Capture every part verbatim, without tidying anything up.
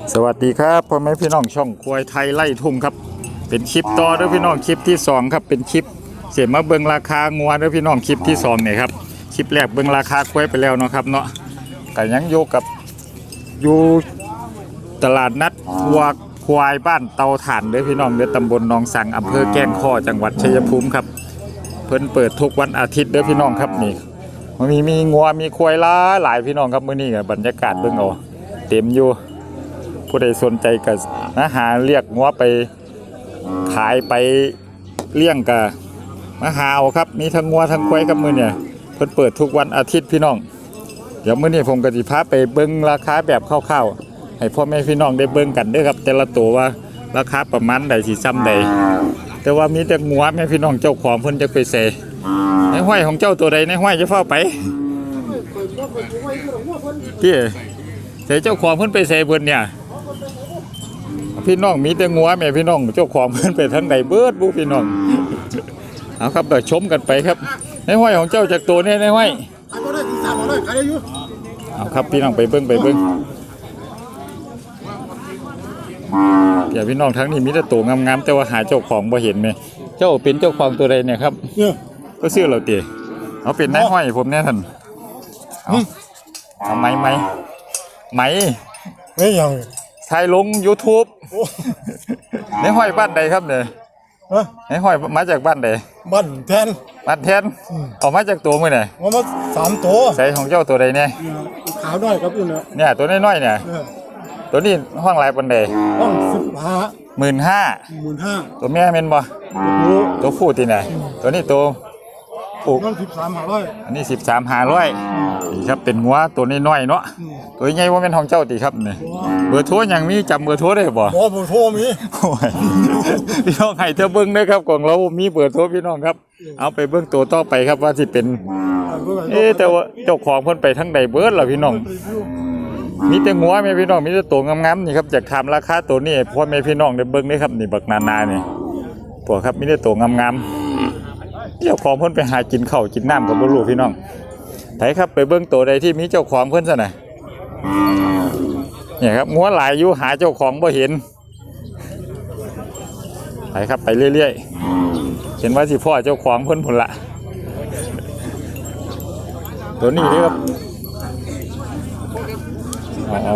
สวัสดีครับพ่อแม่พี่น้องช่องควายไทยไล่ทุ่งครับเป็นคลิปต่อเด้อพี่น้องคลิปที่สองครับเป็นคลิปเสียมาเบิ่งราคางัวเด้อพี่น้องคลิปที่สองเนี่ยครับคลิปแรกเบิ่งราคาควายไปแล้วเนาะครับเนาะก็ยังอยู่กับอยู่ตลาดนัดวัวควายบ้านเตาถ่านเด้อพี่น้องเด้อตำบลหนองสังอำเภอแก้งข้อจังหวัดชัยภูมิครับเพิ่นเปิดทุกวันอาทิตย์เด้อพี่น้องครับนี่มันมีมีงัวมีควายหลายหลายพี่น้องครับมื้อนี้ก็บรรยากาศเบิ่งเอาเต็มอยู่ผู้ใดสนใจก็นะหาเรียกงัวไปขายไปเลี้ยงก็มาหาเอาครับมีทั้งงัวทั้งควายครับมื้อเนี่ยเพิ่นเปิดทุกวันอาทิตย์พี่น้องเดี๋ยวมื้อนี้ผมก็สิพาไปเบิ่งราคาแบบคร่าวๆให้พ่อแม่พี่น้องได้เบิ่งกันเด้อครับแต่ละตัวว่าราคาประมาณใดสิซ้ำใดแต่ว่ามีแต่งัวแม่พี่น้องเจ้าของเพิ่นจะไปเสในห้อยของเจ้าตัวใดในห้อยจะเฝ้าไปพี่ใส่เจ้าของเพิ่นไปเสเบิ่นเนี่ยพี่น้องมีแต่งัวแม่พี่น้องเจ้าของเพิ่นไปทางใดเบิดบุพี่น้องเอาครับเดี๋ยวชมกันไปครับในห้อยของเจ้าจากตัวนี้ในห้อยเอาครับพี่น้องไปเบิ้งไปเบิ้งอย่าพี่น้องทั้งนี้มีแต่ตัวงามๆแต่ว่าหาเจ้าของบ่เห็นไหมเจ้าเป็นเจ้าของตัวใดเนี่ยครับก็ซื้อเราเตี๋ยเอาเป็นในห้อยผมเนี่ยท่านเอาเอาไหมไหมไหมไม่ยังถ่ายลง ยูทูบ ในห้อยบ้านใดครับเนี่ยในห้อยมาจากบ้านใดบ้านแทนบ้านแทนออกมาจากตัวมือไหนมามาสามตัวใส่ของเจ้าตัวใดเนี่ยขาวน้อยครับพี่เนาะเนี่ยตัวน้อยๆเนี่ยตัวนี้ห้องลายปันใดห้องสิบห้าหมื่นห้าหมื่นห้าตัวแม่เป็นบ่ตัวผู้ตีไหนตัวนี้ตัวปลูกนั่นสิบสามห้าร้อยอันนี้สิบสามห้าร้อยนี่ครับเป็นงัวตัวน้อยๆเนาะตัวใหญ่ว่าเป็นของเจ้าตีครับเนี่ยเบอร์โทรยังมีจำเบอร์โทรได้บ่บ่เบอร์โทรมีพี่น้องให้เธอเบิ้งได้ครับของเรามีเบอร์โทรพี่น้องครับเอาไปเบิ้งตัวต่อไปครับว่าที่เป็นเอ๊แต่ว่าเจ้าของเพิ่นไปทั้งใดเบิร์ดล่ะพี่น้องมีแต่งัวแม่พี่น้องมีแต่ตัวงามๆนี่ครับจากถามราคาตัวนี้พ่อแม่พี่น้องได้เบิ้งได้ครับนี่บักนานานี่พวกครับมีแต่ตัวงามๆเจ้าของเพิ่นไปหากินข้าวกินน้ำกับบ่รู้พี่น้องไผครับไปเบิ้งตัวใดที่มีเจ้าของเพิ่นซะน่ะเนี่ยครับงัวหลายอยู่หาเจ้าของบ่เห็นไปครับไปเรื่อยๆเห็นว่าสิพ่อเจ้าของเพิ่นพุ่นละตัวนี้นี่ครับเอา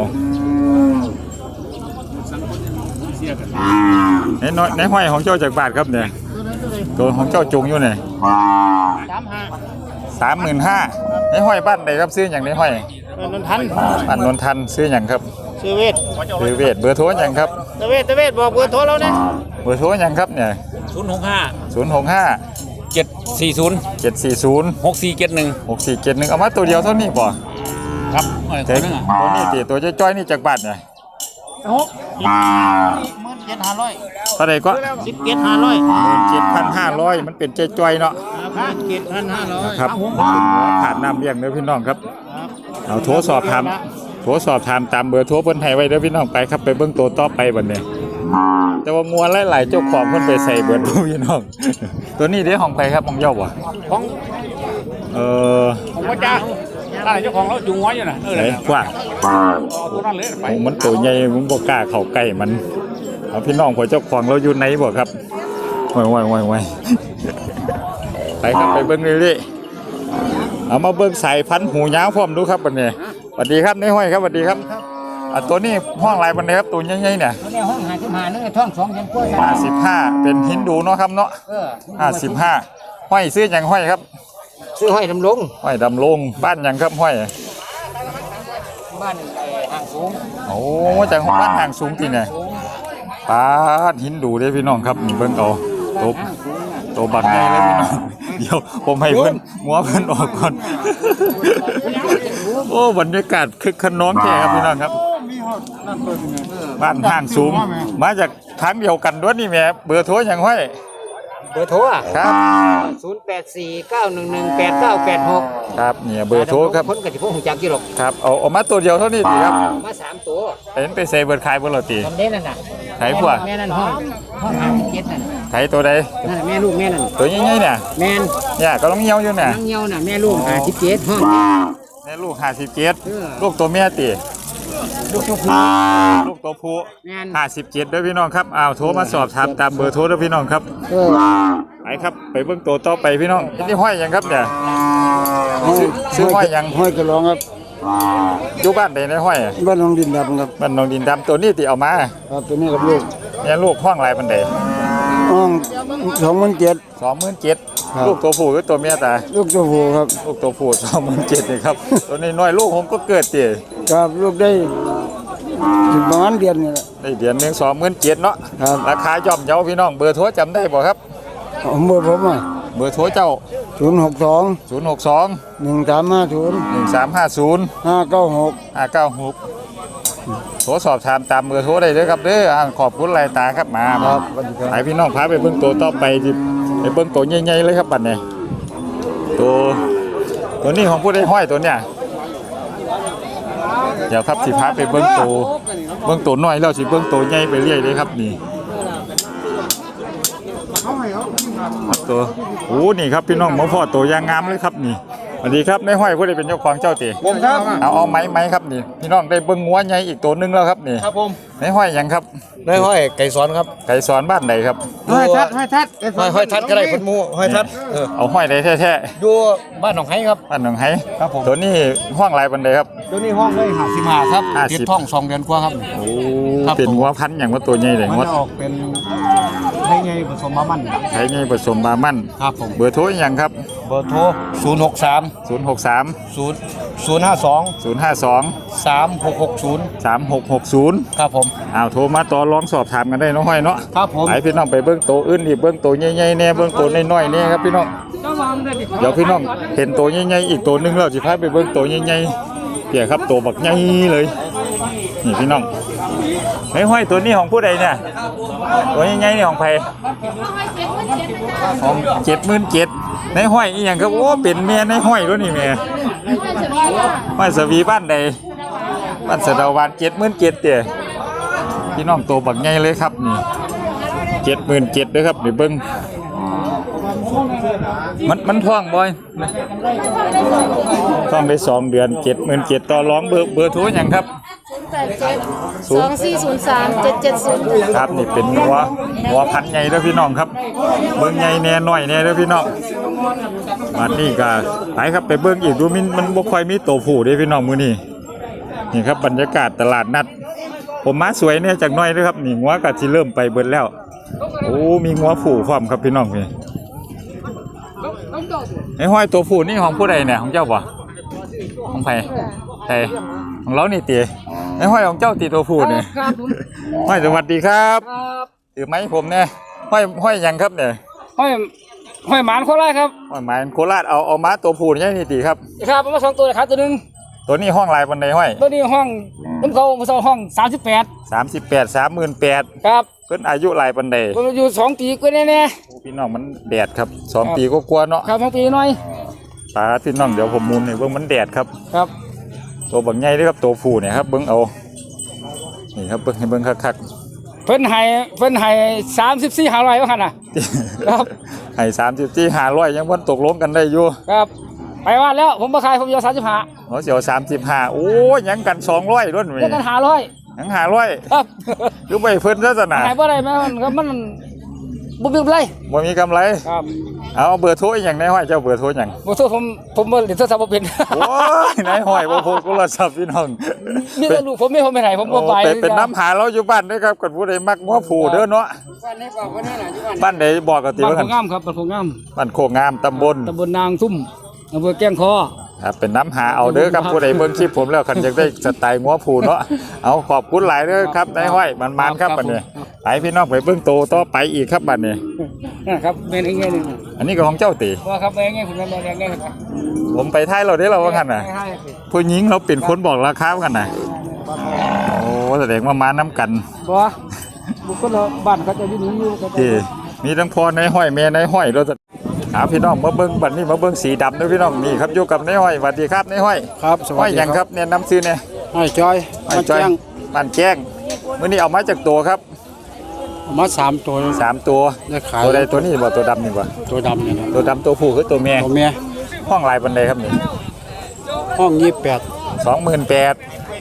ในน้อยในห้อยของเจ้าจากบาทครับเนี่ยตัวของเจ้าจุงอยู่เนี่ยสามห้าสามหมื่นห้าในห้อยบ้านใดครับซื้ออย่างในห้อยนนทันบ้านนนทันซื้ออย่างครับซื้อเวทซื้อเวทเบอร์โทรอย่างครับเวทเวทบอกเบอร์โทรแล้วนะเบอร์โทรอย่างครับเนี่ยศูนย์หกห้าศูนย์หกห้าเจ็ดสี่ศูนย์เจ็ดสี่ศูนย์หกสี่เจ็ดหนึ่งหกสี่เจ็ดหนึ่งเอามาตัวเดียวเท่านี้ป่ะครับตัวนี้ตัวนี้ตีตัวจ้อยๆนี่จากบาทเนี่ยหกหมื่นเจ็ดห้าร้อยเท่าไหร่ก็สิบเจ็ดห้าร้อยหมื่นเจ็ดพันห้าร้อยมันเป็นจ้อยๆเนาะเจ็ดพันห้าร้อยครับขาดน้ำเลี้ยงเด้อพี่น้องครับเอาโทรสอบถามโทรสอบถามตามเบอร์โทรเพิ่นให้ไว้เด้อพี่น้องไปครับไปเบิ่งตัวต่อไปบัดนี้แต่ว่างัวหลายๆเจ้าของเพิ่นไปใส่เบิดพี่น้องตัวนี้เด้ของใครครับของเจ้าบ่ของเอ่อของพ่อจ้าอะไรเจ้าของเราจุงไว้อยู่น่ะเออเลยกว่าตัวนั้นเลยไปมันตัวใหญ่ผมบ่กล้าเข้าใกล้มันเอาพี่น้องของเจ้าของเราอยู่ไหนบ่ครับโอ้ยๆๆไปครับไปเบิ่งเรื่อยๆเอามาเบิ่งสายพันธุ์หูยาวพร้อมดูครับบัดนี้สวัสดีครับนายห้อยครับสวัสดีครับอ่ะตัวนี้ห้องลายบันไดครับตัวใหญ่ๆเนี่ยตัวนี้ห้องห้าสิบห้าเนื้อท้องสองยันกล้วยห้าสิบห้าเป็นหินดูเนาะครับเนาะห้าสิบห้าห้อยซื้ออย่างห้อยครับซื้อห้อยดำลงห้อยดำลงบ้านอย่างครับห้อยบ้านห่างสูงโอ้จากบ้านห่างสูงที่เนี่ยป้าหินดูเลยพี่น้องครับนี่เบิ่งเอาตบตัวบักใหญ่เลยพี่น้องเดี๋ยวผมให้เพิ่นมัวเพิ่นออกก่อนโอ้บรรยากาศคึกขนองแท้ครับพี่น้องครับบ้านห่างสูงมาจากทางเดียวกันด้วยนี่แม่เบอร์โทรอย่างห้อยเบอร์โทรครับศูนย์แปดสี่เก้าหนึ่งหนึ่งแปดเก้าแปดหกครับเนี่ยเบอร์โทรครับคนกับที่พวกหุ่นจักรกี่หรอกครับเอาเอามาตัวเดียวเท่านี้ดีครับมาสามตัวเห็นไปเซเบิร์ดขายบนรถตีทำได้นั่นน่ะไถพวกแม่นั่นห้องห้องห้าสิบเจ็ดนั่นไถตัวใดนั่นแม่ลูกแม่นั่นตัวใหญ่ๆเนี่ยแม่เนี่ยก็ต้องเงี้ยวอยู่เนี่ยต้องเงี้ยวน่ะแม่ลูกห้าสิบเจ็ดห้องแม่ลูกห้าสิบเจ็ดลูกตัวแม่ตีลูกตัวผู้ลูกตัวผู้แม่นห้าสิบเจ็ดด้วยพี่น้องครับอ้าวโทรมาสอบถามตามเบอร์โทรด้วยพี่น้องครับเออไปครับไปเบิ่งตัวต่อไปพี่น้องนี่ห้อยหยังครับเนี่ยซื้อซื้อห้อยหยังห้อยกระรองครับอยู่บ้านใดในห้อยอะบ้านน้องดินดำครับบ้านหนองดินดำตัวนี้ติเอามาครับตัวนี้กับลูกเนี่ยลูกห้องลายบันไดห้องสองหมื่นเจ็ดสองหมื่นเจ็ดครับลูกตัวผู้หรือตัวเมียตาลูกตัวผู้ครับลูกตัวผู้สองหมื่นเจ็ดนี่ครับ ตัวนี้น้อยลูกผมก็เกิดเตี๋ยครับลูกได้ถึงประมาณเดือนนี่แหละได้เดือนหนึ่งสองหมื่นเจ็ดเนาะครับราคาย่อมเยาพี่น้องเบอร์โทรจำได้บ่ครับผมเบอร์ผมอ่ะเบอร์โทรเจ้าศูนย์หกสองศูนย์หกสองหนึ่งสามห้าศูนย์หนึ่งสามห้าศูนย์ห้าเก้าหกห้าเก้าหกโทรสอบถามตามเบอร์โทรได้เลยครับเด้ออ่าขอบคุณหลายตาครับมาครับให้พี่น้องพาไปเบิ่งตัวต่อไปดิไปเบิ่งตัวใหญ่ๆเลยครับบัดนี้ตัวตัวนี้ของผู้ได้ห้อยตัวเนี้ยเดี๋ยวครับสิพาไปเบิ่งตัวเบิ่งตัวน้อยแล้วสิเบิ่งตัวใหญ่ไปเรื่อยเลยครับนี่ครับตัวโอ้นี่ครับพี่น้องหมอพ่อตัวยางงามเลยครับนี่สวัสดีครับในห้อยผู้ใดเป็นเจ้าของเจ้าตีผมครับเอาเอาไม้ไม้ครับนี่พี่น้องได้เบิ่งงัวใหญ่อีกตัวหนึงแล้วครับนี่ครับผมในห้อยหยังครับได้ห้อยไก่สอนครับไก่สอนบ้านใดครับห้อยทัดห้อยทัดห้อยห้อยทัดก็ได้คนมูห้อยทัดเออเอาห้อยใดแท้อยู่บ้านหนองไห้ครับๆบ้านหนองไห้ครับผมตัวนี้ห้องลายบันไดครับตัวนี้ห้องได้ห้าสิบห้าครับห้าสิบติดท้องสองเดือนกว่าครับโอ้ครับเป็นงัวพันธุ์อย่างว่าตัวใหญ่เลยมันงัวจะออกเป็นให้ไงผสมมามันไทยนี่ผสมบามั่นครับผมเบอร์โทรอย่างครับเบอร์โทรศูนย์หกสามศูนย์ หก สามศูนย์ศูนย์ห้าสองศูนย์ ห้า สองสามหกหกศูนย์สาม หก หก ศูนย์ครับผมอ้าวโทรมาต่อรองสอบถามกันได้เน้องห้อยเนาะครับผมไปพี่น้องไปเบิ้งตัวอื่นอีกเบิ้งตัวใหญ่ๆแน่เบิ้งตัวน้อยๆแน่ครับพี่น้องเดี๋ยวพี่น้องเห็นตัวใหญ่ๆอีกตัวหนึงแล้วสิพาไปเบิ้งตัวใหญ่ๆเปี่ยครับตัวบักใหญ่เลยนี่พี่น้องไอ้ห้อยตัวนี้ของผู้ใดเนี่ยตัวใหญ่ๆนี่ของใครของเจ็ดหมื่นเจ็ดในห้อยอีหยังครับโอ้เป็นเมียในห้อยด้วยนี่แม่ห้อยสวีบ้านใดบ้านสะเดาวานเจ็ดหมื่นเจ็ดเตี่ยพี่น้องตัวบักใหญ่เลยครับนี่เจ็ดหมื่นเจ็ดด้วยครับเดี๋ยวเบิ้งมันมันท่องบ่อยท่องได้สองเดือนเจ็ดหมื่นเจ็ดต่อร้องเบอร์เบอร์โทรอย่างครับแปดเจ็ดสองสี่ศูนย์สามเจ็ดเจ็ดศูนย์ครับนี่เป็นหัวหัวพันธุ์ใหญ่เด้อพี่น้องครับเบิ้งใหญ่แน่น้อยแน่เด้อพี่น้องมานี่ก็ไปครับไปเบิ้งอีกดูมันมันบ่ค่อยมีตัวผู้เด้อพี่น้องมื้อนี้นี่ครับบรรยากาศตลาดนัดผมมาสวยเนี่ยจากหน้อยเด้อครับนี่งัวก็สิเริ่มไปเบิดแล้วโอ้มีงัวผู้พร้อมครับพี่น้องนี่ไอ้ห้อยตัวผู้นี่ของผู้ใดเนี่ยของเจ้าบ่ของใครใครของเรานี่ติไอ้ห้อยของเจ้าติตัวผู้นี่ครับผมห้อยสวัสดีครับครับถือไม้ผมเนี่ยห้อยห้อยหยังครับเนี่ยห้อยห้อยหมานโคราชครับห้อยไม้โคราชเอาเอาม้าตัวผู้นี่นี่ติครับครับผมมาสองตัวเลยครับตัวหนึงตัวนี้ห้องลายบันไดห้อยตัวนี้ห้องน้ำเขามาสองห้องสามสิบแปดสามสิบแปดสามหมื่นแปดครับเพิ่นอายุลายบันไดผมอยู่สองปีกว่าแน่พี่น้องมันแดดครับสองปีก็กลัวาๆเนาะๆครับสองปีหน่อยตาพี่น้องเดี๋ยวผมมุนให้เบิ่งมันแดดครับครับตัวบักใหญ่เด้อครับตัวผู้เนี่ยครับเบิ่งเอานี่ครับเบิ่งให้เบิ่งคักเพิ่นให้เพิ่นให้สามสิบสี่หาร้อยว่าขนาดๆครับให้สามสิบที่ห้าร้อยยังวันตกลงกันได้อยู่ครับไปว่าแล้วผมมาขายผมอยู่สามสิบห้าเขาเสียวสามสิบห้าโอ้ยยังกันสองร้อยรุ่นเรียกกันหาร้อยยังห้าร้อยครับคือไปเพิ่นซะสนะหายบ่ได้ไหมมันก็มันบุบเลยบ่มีกำไรครับเอาเบอร์โทรอีกอย่างในห้อยเจ้าเบอร์โทรอย่างบ่สู้ผมผมบ่เล่นโทรศัพท์บ่เป็นโอ้ยในห้อยบ่โพกโทรศัพท์พี่น้องมีแต่ลูกผมไม่ผมไม่ไหนผมบ่ไปโอ้เป็นเป็นน้ำหาเราอยู่บ้านเด้อครับกันผู้ใดมักงัวผูเด้อเนาะบ้านนี้บอกว่านี่น่ะอยู่บ้านบ้านใดบอกกันติบ้านว่าโพกันงามครับบ้านโพงามบ้านโคกงามตำบลตำบลนางทุ่มอำเภอแก้งคอครับเป็นน้ำหาเอาเด้อครับผู้ใดเบิ่งคลิปผมแล้วคันอยากได้สไตล์งัวผูเนาะเอาขอบคุณหลายเด้อครับในห้อยมันๆครับบัดนี้ไปพี่น้องไปเบิ่งโตต่อไปอีกครับบัดนี้นะครับแม่นอีกแง่หนึงอันนี้ก็ของเจ้าติว่าครับแม่นแง่ผมแม่นแง่แง่ครับผมไปท้ายเราได้เราว่ากันน่ะให้ให้ผู้หญิงเราเป็นคนบอกราคากันน่ะโอ้แสดงว่ามาน้ำกันบ่บุคคลเราบ้านเขาจะอยู่นี่อยู่ก็ที่มีทั้งพ่อในห้อยแม่ในห้อยเราจะหาพี่น้องมาเบิ้งบัดนี้มาเบิ้งสีดำด้วยพี่น้องนี่ครับอยู่กับในห้อยสวัสดีครับในห้อยครับสห้วัอสยดีหยังครับเนี่ยน้ำซื้อเนี่ยห้อยจอยห้อยจ้อยบ้านแจ้งมื้อนี้เอามาจากตัวครับมาสามตัวสามตัวได้ขายตัวใดตัวนี้บ่ตัวดำนี่บ่ตัวดำเนี่ยนะตัวดำตัวผู้คือตัวแม่ตัวเมียห้องลายบันไดครับนี่ห้องยี่สิบแปดสองหมื่นแปด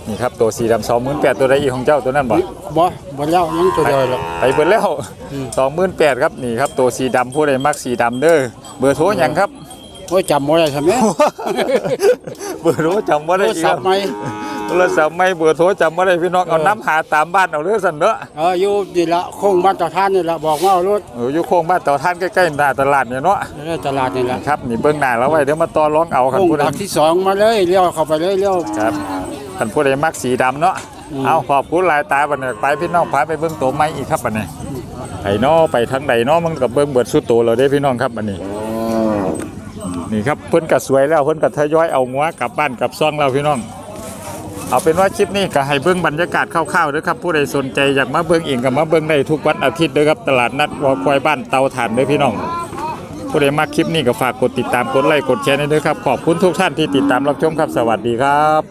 นี่ครับตัวสีดำสองหมื่นแปดตัวใดอีกของเจ้าตัวนั้นบ่บ่บ่เล่ายังตัวเดียวหรอกไปเบิดแล้วสองหมื่นแปดครับนี่ครับตัวสีดำผู้ใดมักสีดำเด้อเบอร์โทรหยังครับโอ้ยจำบ่ได้ใช่ไหมเบอร์โทรจำบ่โทได้รอีกศัครัพบท์ไหมโทรศัพท์ไม่เบอร์โทรจำบ่ได้พี่น้องเอาน้ำหาตามบ้านเอาเด้อสั่นเด้อเอออยู่นี่ละโค้งบ้านเจ้าท่านนี่ละบอกว่าเอารถเอออยู่โค้งบ้านเต่าท่านใกล้ๆหน้าตลาดเนี่ยเนาะในตลาดนี่ละครับนี่เบิ่งหน้าแล้วไว้เดี๋ยวมาต่อรองเอาคันโค้งผู้ใดหลักที่สองมาเลยเลี้ยวเข้าไปเลยเลี้ยวครับคันผู้ใดมักสีดำเนาะอืมเอาขอบคุณหลายตาบัดนี้ไปพี่น้องพาไปเบิ่งตัวใหม่อีกครับบัดนี้ไอ้น้อไปทางใดเนาะมันก็เบิ่งเบิดสุดโตแล้วเด้พี่น้องครับบัดนี้นี่ครับเพิ่นก็สวยแล้วเพิ่นก็ทยอยเอางัวกลับบ้านกลับซ่องแล้วพี่น้องเอาเป็นว่าคลิปนี้ก็ให้เบิ่งบรรยากาศคร่าวๆเด้อครับผู้ใดสนใจอยากมาเบิ่งเองก็มาเบิ่งได้ทุกวันอาทิตย์เด้อครับตลาดนัดวัวควายบ้านเตาถ่านเด้อพี่น้องผู้ใดมาคลิปนี้ก็ฝากกดติดตามกดไลค์กดแชร์ให้ด้วยครับขอบคุณทุกท่านที่ติดตามรับชมครับสวัสดีครับ